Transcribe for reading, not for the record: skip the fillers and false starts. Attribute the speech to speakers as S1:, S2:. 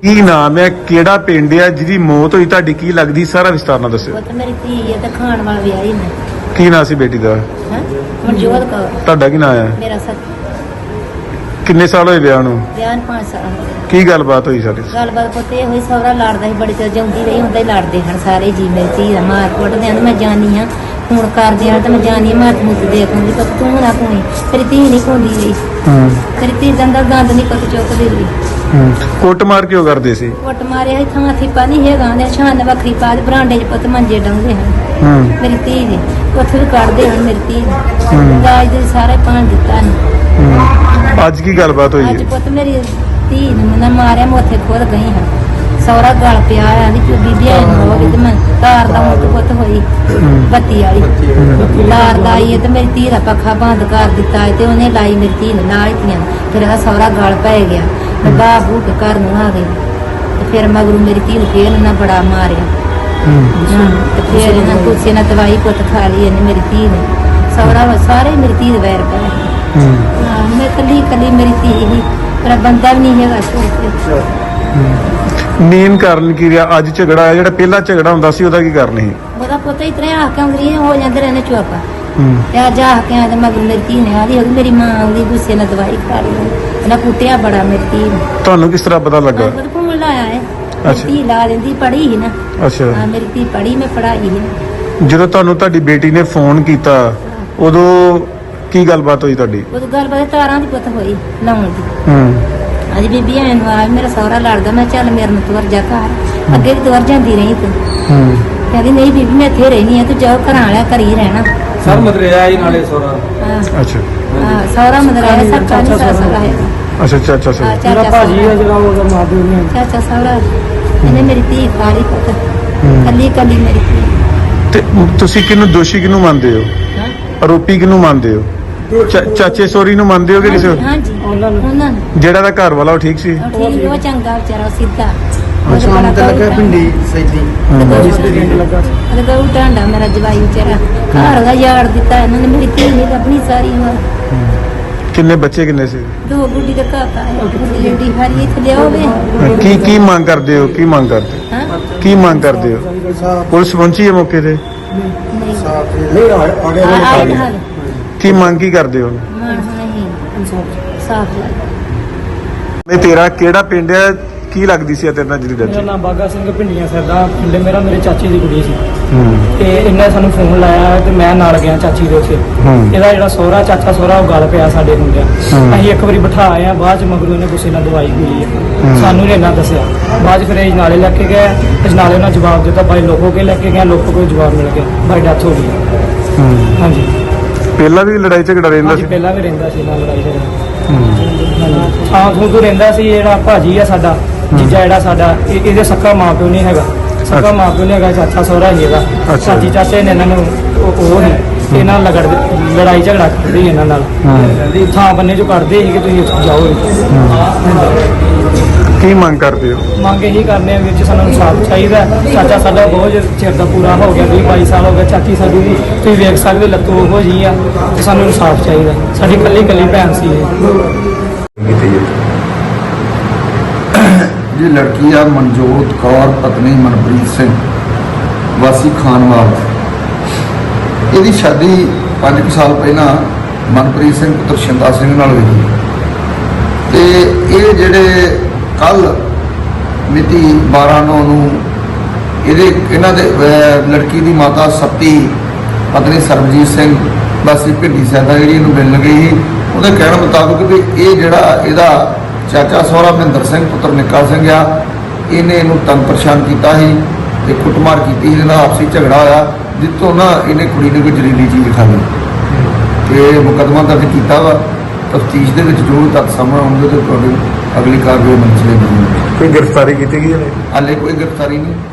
S1: ਕੀ ਨਾਮ ਹੈ, ਕਿਹੜਾ ਪਿੰਡ ਹੈ ਜਿਹਦੀ ਮੌਤ ਹੋਈ, ਤੁਹਾਡੀ ਕੀ ਲੱਗਦੀ, ਸਾਰਾ ਵਿਸਤਾਰ ਨਾਲ ਦੱਸਿਓ।
S2: ਉਹ ਤਾਂ ਮੇਰੀ ਧੀ ਹੈ ਤੇ ਖਾਣ ਵਾਲਾ ਵਿਆਹੀ ਨੇ।
S1: ਕੀ ਨਾਂ ਸੀ ਬੇਟੀ ਦਾ?
S2: ਮਨਜੋਤ ਕੌਰ।
S1: ਤੁਹਾਡਾ ਕੀ ਨਾਂ ਹੈ?
S2: ਮੇਰਾ
S1: ਕਿੰਨੇ ਸਾਲ ਹੋਏ ਵਿਆਹ ਨੂੰ?
S2: ਵਿਆਹ ਨੂੰ 5 ਸਾਲ ਹੋ ਗਏ।
S1: ਕੀ ਗੱਲਬਾਤ ਹੋਈ ਸਾਡੀ?
S2: ਗੱਲਬਾਤ ਪੁੱਤ ਇਹ ਹੋਈ, ਸਹੁਰਾ ਲੜਦਾ ਸੀ, ਬੜੀ ਚਿਰ ਜਾਂਦੀ ਰਹੀ, ਹੁੰਦਾ ਹੀ ਲੜਦੇ ਹਨ ਸਾਰੇ ਜੀ। ਮੇਰੀ ਧੀ ਦਾ ਮਾਰ ਕੁੱਟਦੇ ਹਨ, ਮੈਂ ਜਾਣੀ ਹਾਂ ਫੋਨ ਕਰਦੇ ਆ ਤਾਂ ਮੈਂ ਜਾਣੀ ਮਾਤ ਮੁੱਤ ਦੇਖ ਹੁੰਦੀ, ਪਰ ਤੂੰ ਨਾ ਕੋਣੀ ਤੇਰੀ ਧੀ ਨਹੀਂ ਕੋਂਦੀ ਰਹੀ। ਤੇਰੀ ਧੀ ਦਾ ਅੰਦਰ ਗੰਦ ਨਹੀਂ ਪਤ ਚੁੱਕਦੀ ਰਹੀ।
S1: ਕੁੱਟ ਮਾਰ ਕਿਉਂ ਕਰਦੇ ਸੀ?
S2: ਕੁੱਟ ਮਾਰਿਆ ਸੀ, ਥਾਂ ਥੀਪਾ ਨਹੀਂ ਹੈਗਾ, ਨੇ ਛਾਨ ਵੱਖਰੀ ਪਾ ਦੇ, ਬਰਾਂਡੇ 'ਚ ਪੁੱਤ ਮੰਜੇ ਡਾਉਂਦੇ ਹਨ ਮੇਰੀ ਧੀ ਦੇ, ਉੱਥੇ ਵੀ ਕੱਢਦੇ ਹਨ ਮੇਰੀ ਧੀ ਦੇ, ਦਾਜ ਦੇ ਸਾਰੇ ਪਾਣ ਦਿੱਤਾ ਨੇ।
S1: ਅੱਜ ਕੀ ਗੱਲਬਾਤ ਹੋਈ?
S2: ਅੱਜ ਪੁੱਤ ਮੇਰੀ ਧੀ ਨੂੰ ਮੈਂ ਮਾਰਿਆ, ਮੈਂ ਉੱਥੇ ਖੁਦ ਗਈ ਹਾਂ, ਸਹੁਰਾ ਗਲ ਪਿਆ ਆ ਦੀ ਬੀਬੀ ਆਈ ਨੂੰ ਹੋ ਗਈ ਤੇ ਮੈਂ ਤਾਰ ਦਾ ਮੁੱਤ ਪੁੱਤ ਹੋਈ ਬੱਤੀ ਵਾਲੀ ਤਾਰ ਦਾ ਆਈ ਤੇ ਮੇਰੀ ਧੀ ਦਾ ਪੱਖਾ ਬੰਦ ਕਰ ਦਿੱਤਾ ਤੇ ਉਹਨੇ ਲਾਈ ਮੇਰੀ ਧੀ ਨੇ ਨਾਲ ਹੀ ਫਿਰ ਆ ਸਹੁਰਾ ਗਲ ਪੈ ਗਿਆ। ਮੈਂ ਬਾਹ ਬੂ ਕੇ ਘਰ ਨੂੰ ਆ ਗਈ ਤੇ ਫਿਰ ਮਗਰੂ ਮੇਰੀ ਧੀ ਨੂੰ ਫੇਰ ਨਾ ਬੜਾ ਮਾਰਿਆ ਤੇ ਫਿਰ ਇਹਨਾਂ ਕੁਛ ਨਾ ਦਵਾਈ ਪੁੱਤ ਖਾ ਲਈ ਇਹਨੇ ਮੇਰੀ ਧੀ ਨੇ, ਸਹੁਰਾ ਸਾਰੇ ਮੇਰੀ ਧੀ ਦੇ ਵੈਰ ਪਏ। ਮੈਂ ਕੱਲੀ ਮੇਰੀ ਧੀ ਹੀ, ਪਰ ਬੰਦਾ ਵੀ ਨਹੀਂ ਹੈਗਾ ਸੋਚ।
S1: ਮੇਨ ਕਾਰਨ ਕੀ ਰਿਹਾ ਅੱਜ ਝਗੜਾ ਹੈ? ਜਿਹੜਾ ਪਹਿਲਾ ਝਗੜਾ ਹੁੰਦਾ ਸੀ ਉਹਦਾ ਕੀ ਕਾਰਨ ਸੀ?
S2: ਉਹਦਾ ਪੁੱਤ ਇਤਨੇ ਆ ਕੇ ਆਉਂਦੀ ਹੋ ਜਾਂਦੇ ਰਹਿੰਦੇ ਚੁੱਪ ਤੇ ਅੱਜ ਆ ਕੇ ਆਦੇ ਮਗਰ ਮੇਰੀ ਧੀ ਨੇ ਆਦੀ ਮੇਰੀ ਮਾਂ ਆਉਂਦੀ ਗੁੱਸੇ ਨਾਲ ਦਵਾਈ ਖਾ ਲਈ, ਇਹਨਾਂ ਕੁੱਟਿਆ ਬੜਾ ਮੇਰੀ ਧੀ ਨੂੰ।
S1: ਤੁਹਾਨੂੰ ਕਿਸ ਤਰ੍ਹਾਂ ਪਤਾ ਲੱਗਾ?
S2: ਘੁੰਮਣ ਲਾਇਆ ਹੈ, ਧੀ ਲਾ ਲੈਂਦੀ, ਪੜ੍ਹੀ ਸੀ ਨਾ।
S1: ਅੱਛਾ,
S2: ਮੇਰੀ ਧੀ ਪੜ੍ਹੀ, ਮੈਂ ਪੜ੍ਹਾਈ ਹੈ।
S1: ਜਦੋਂ ਤੁਹਾਨੂੰ ਤੁਹਾਡੀ ਬੇਟੀ ਨੇ ਫੋਨ ਕੀਤਾ ਉਦੋਂ ਕੀ ਗੱਲਬਾਤ ਹੋਈ ਤੁਹਾਡੀ?
S2: ਉਦੋਂ ਗੱਲਬਾਤ ਤਾਰਾਂ ਦੀ ਪੁੱਤ ਹੋਈ ਲਾਉਣ ਦੀ। ਅੱਜ ਬੀਬੀ ਐਨ ਆ ਮੇਰਾ ਸਹੁਰਾ ਲੜਦਾ, ਮੈਂ ਚੱਲ ਮੇਰੇ ਨਾਲ ਤੁਰ ਜਾ ਘਰ, ਅੱਗੇ ਵੀ ਤੁਰ ਜਾਂਦੀ ਰਹੀ ਤੂੰ। ਕਹਿੰਦੀ ਨਹੀਂ ਬੀਬੀ ਮੈਂ ਇੱਥੇ ਰਹਿਣੀ ਆ, ਤੂੰ ਜਾਓ ਘਰਾਂ ਵਾਲਿਆ ਘਰ ਹੀ ਰਹਿਣਾ।
S3: ਸਰ ਮਦਰਿਆ ਹੀ ਨਾਲੇ ਸੋਰਾ।
S1: ਅੱਛਾ,
S2: ਸਹੁਰਾ ਮਦਰਿਆ ਹੈ, ਸਭ ਕਾਨੀ ਸਹੁਰਾ ਹੈ।
S1: ਅੱਛਾ ਅੱਛਾ ਅੱਛਾ ਅੱਛਾ।
S3: ਮੇਰਾ ਭਾਜੀ ਹੈ ਜਿਹੜਾ ਉਹਦਾ ਮਾਧੂ ਨੇ।
S2: ਚਾਚਾ ਸਹੁਰਾ ਇਹਨੇ ਮੇਰੀ ਧੀ ਪਾਲੀ ਪੁੱਤ, ਕੱਲੀ ਮੇਰੀ ਧੀ।
S1: ਤੇ ਤੁਸੀਂ ਕਿਹਨੂੰ ਦੋਸ਼ੀ ਕਿਹਨੂੰ ਮੰਨਦੇ ਹੋ? ਆਰੋਪੀ ਕਿਹਨੂੰ ਮੰਨਦੇ ਹੋ? ਚਾਚੇ ਸੋਰੀ ਨੂੰ ਮੰਨਦੇ ਹੋ ਕਿ ਕਿਸੇ?
S2: ਹਾਂਜੀ ਉਹਨਾਂ ਨੂੰ।
S1: ਜਿਹੜਾ ਦਾ ਘਰ ਵਾਲਾ ਉਹ ਠੀਕ ਸੀ?
S2: ਠੀਕ, ਉਹ ਚੰਗਾ ਵਿਚਾਰਾ, ਸਿੱਧਾ।
S3: ਸ਼ਾਮ ਤੇ ਲੱਗਾ ਪਿੰਡੀ ਸੈਦੀ
S2: ਉਹਦੇ ਕੋਲ ਟਾਂਡਾ ਮੇਰਾ ਜਵਾਈ ਵਿਚਾਰਾ ਘਰ ਦਾ ਯਾਰ ਦਿੱਤਾ ਇਹਨਾਂ ਨੇ, ਮੇਰੀ ਧੀ ਨੇ ਆਪਣੀ ਸਾਰੀ ਉਮਰ।
S1: ਕਿੰਨੇ ਬੱਚੇ ਕਿੰਨੇ ਸੀ?
S2: 2 ਗੁੱਡੀ ਦਾ ਕਾਕਾ ਹੈ, ਗੁੱਡੀ ਜੱਡੀ ਹਰੀ ਇੱਥੇ ਲਿਆਓਵੇ।
S1: ਕੀ ਮੰਗ ਕਰਦੇ ਹੋ? ਕੀ ਮੰਗ ਕਰਦੇ?
S2: ਹਾਂ
S1: ਕੀ ਮੰਗ ਕਰਦੇ ਹੋ? ਪੁਲਿਸ ਪਹੁੰਚੀ ਹੈ ਮੌਕੇ ਤੇ?
S3: ਨਹੀਂ ਆੜੇ
S2: ਆਏ ਹਾਲ
S1: ਕੀ ਮੰਗ ਕੀ ਕਰਦੇ ਹੋ?
S2: ਮਾਨ ਨਹੀਂ ਸਾਫ ਲੱਗ।
S1: ਮੈਂ ਤੇਰਾ ਕਿਹੜਾ ਪਿੰਡ ਹੈ, ਕੀ ਲੱਗਦੀ ਸੀ ਤੇਰੇ ਨਾਲ ਜਿਹੜੀ
S3: ਮੇਰਾ
S1: ਦੱਸੀ?
S3: ਨਾਮ ਬਾਗਾ ਸਿੰਘ ਪਿੰਡੀਆਂ ਸਰ ਦਾ ਪਿੰਡ ਮੇਰਾ, ਮੇਰੇ ਚਾਚੀ ਦੀ ਕੁੜੀ ਸੀ ਤੇ ਇਹਨੇ ਸਾਨੂੰ ਫੋਨ ਲਾਇਆ ਤੇ ਮੈਂ ਨਾਲ ਗਿਆ ਚਾਚੀ ਦੇ ਉੱਥੇ। ਇਹਦਾ ਜਿਹੜਾ ਸਹੁਰਾ ਚਾਚਾ ਸਹੁਰਾ ਉਹ ਗੱਲ ਪਿਆ ਸਾਡੇ ਹੁੰਦਿਆਂ, ਅਸੀਂ ਇੱਕ ਵਾਰੀ ਬਿਠਾ ਆਏ ਆ, ਬਾਅਦ ਚ ਮਗਰੋਂ ਇਹਨੇ ਗੁੱਸੇ ਨਾਲ ਦਵਾਈ ਪੀ ਲਈ ਹੈ, ਸਾਨੂੰ ਨਹੀਂ ਇੰਨਾ ਦੱਸਿਆ। ਬਾਅਦ ਚ ਫਿਰ ਇਹ ਨਾਲੇ ਲੈ ਕੇ ਗਏ, ਇਸ ਨਾਲੇ ਉਹਨਾਂ ਜਵਾਬ ਦਿੱਤਾ, ਬਾਈ ਲੋਕੋ ਕੇ ਲੈ ਕੇ ਗਿਆ, ਲੋਕੋ ਕੋਈ ਜਵਾਬ ਮਿਲ ਗਿਆ, ਬਾਈ ਡੈਥ ਹੋ ਗਈ। ਹਾਂਜੀ,
S1: ਪਹਿਲਾਂ ਵੀ ਲੜਾਈ ਝਗੜਾ ਰਹਿੰਦਾ ਸੀ?
S3: ਪਹਿਲਾਂ ਵੀ ਰਹਿੰਦਾ ਸੀ ਨਾਲ ਲੜਾਈ ਝਗੜਾ। ਹਾਂ ਤੋਂ ਰਹਿੰਦਾ ਸੀ। ਜਿਹੜਾ ਭਾਜੀ ਆ ਸਾਡਾ ਜੀਜਾ, ਜਿਹੜਾ ਸਾਡਾ ਇਹਦੇ ਸੱਕਾ ਮਾਂ ਪਿਓ ਨਹੀਂ ਹੈਗਾ, ਸੱਕਾ ਮਾਂ ਪਿਓ ਨਹੀਂ ਹੈਗਾ, ਚਾਚਾ ਸਹੁਰਾ ਹੀ ਇਹਦਾ। ਚਾਚੀ ਚਾਚੇ ਨੇ ਇਹਨਾਂ ਨੂੰ ਉਹ ਨਹੀਂ, ਇਹਨਾਂ ਨਾਲ ਲੜਾਈ ਝਗੜਾ ਕਰਦੇ ਸੀ ਇਹਨਾਂ ਨਾਲ, ਥਾਂ ਬੰਨੇ ਚੋਂ ਕੱਢਦੇ ਸੀ ਕਿ ਤੁਸੀਂ ਜਾਓ।
S1: ਕੀ ਮੰਗ ਕਰਦੇ ਹੋ?
S3: ਮੰਗ ਇਹੀ ਕਰਨੇ ਆ ਵੀਰ ਜੀ, ਸਾਨੂੰ ਇਨਸਾਫ ਚਾਹੀਦਾ। ਚਾਚਾ ਸਾਡਾ ਬਹੁਤ ਚਿਰ ਦਾ ਪੂਰਾ ਹੋ ਗਿਆ, 20-22 ਸਾਲ ਹੋ ਗਏ। ਚਾਚੀ ਸਾਡੀ ਵੀ ਤੁਸੀਂ ਵੇਖ ਸਕਦੇ ਲੱਤੋਂ ਉਹੋ ਜਿਹੀ ਆ, ਤੇ ਸਾਨੂੰ ਇਨਸਾਫ ਚਾਹੀਦਾ। ਸਾਡੀ ਕੱਲੀ ਭੈਣ ਸੀ ਇਹ।
S4: ये लड़की है मनजोत कौर पत्नी मनप्रीत सिंह वासी खानवाल। ਇਹਦੀ शादी 5 साल पहला मनप्रीत सिंह पुत्र शिंदा सिंह नाल हुई ते ये जेड़े कल मिति 12/9 ਨੂੰ ਇਹਨਾਂ ਦੇ ਲੜਕੀ ਦੀ ਮਾਤਾ ਸੱਤੀ ਪਤਨੀ ਸਰਬਜੀਤ ਸਿੰਘ ਵਾਸੀ ਭਿੰਡੀ ਸੈਦਾ ਜਿਹੜੀ ਇਹਨੂੰ ਮਿਲਣ ਗਈ ਸੀ, ਉਹਦੇ ਕਹਿਣ ਮੁਤਾਬਕ ਵੀ ਇਹ ਜਿਹੜਾ ਇਹਦਾ ਚਾਚਾ ਸਹੁਰਾ ਮਹਿੰਦਰ ਸਿੰਘ ਪੁੱਤਰ ਨਿੱਕਾ ਸਿੰਘ ਆ, ਇਹਨੇ ਇਹਨੂੰ ਤੰਗ ਪਰੇਸ਼ਾਨ ਕੀਤਾ ਸੀ ਤੇ ਕੁੱਟਮਾਰ ਕੀਤੀ ਸੀ, ਇਹਦਾ ਆਪਸੀ ਝਗੜਾ ਹੋਇਆ, ਜਿੱਥੋਂ ਨਾ ਇਹਨੇ ਕੁੜੀ ਨੂੰ ਕੋਈ ਜ਼ਹਿਰੀਲੀ ਚੀਜ਼ ਖਾ ਲਈ ਤੇ ਮੁਕੱਦਮਾ ਦਰਜ ਕੀਤਾ ਵਾ। ਤਫਤੀਸ਼ ਦੇ ਵਿੱਚ ਜੋ ਤੱਥ ਸਾਹਮਣੇ ਆਉਣਗੇ ਤੇ ਤੁਹਾਡੀ ਅਗਲੀ ਕਾਰਵਾਈ ਮੰਚ ਲਈ।
S1: ਕੋਈ ਗ੍ਰਿਫਤਾਰੀ ਕੀਤੀ ਗਈ ਹੈ?
S4: ਹਾਲੇ ਕੋਈ ਗ੍ਰਿਫਤਾਰੀ ਨਹੀਂ।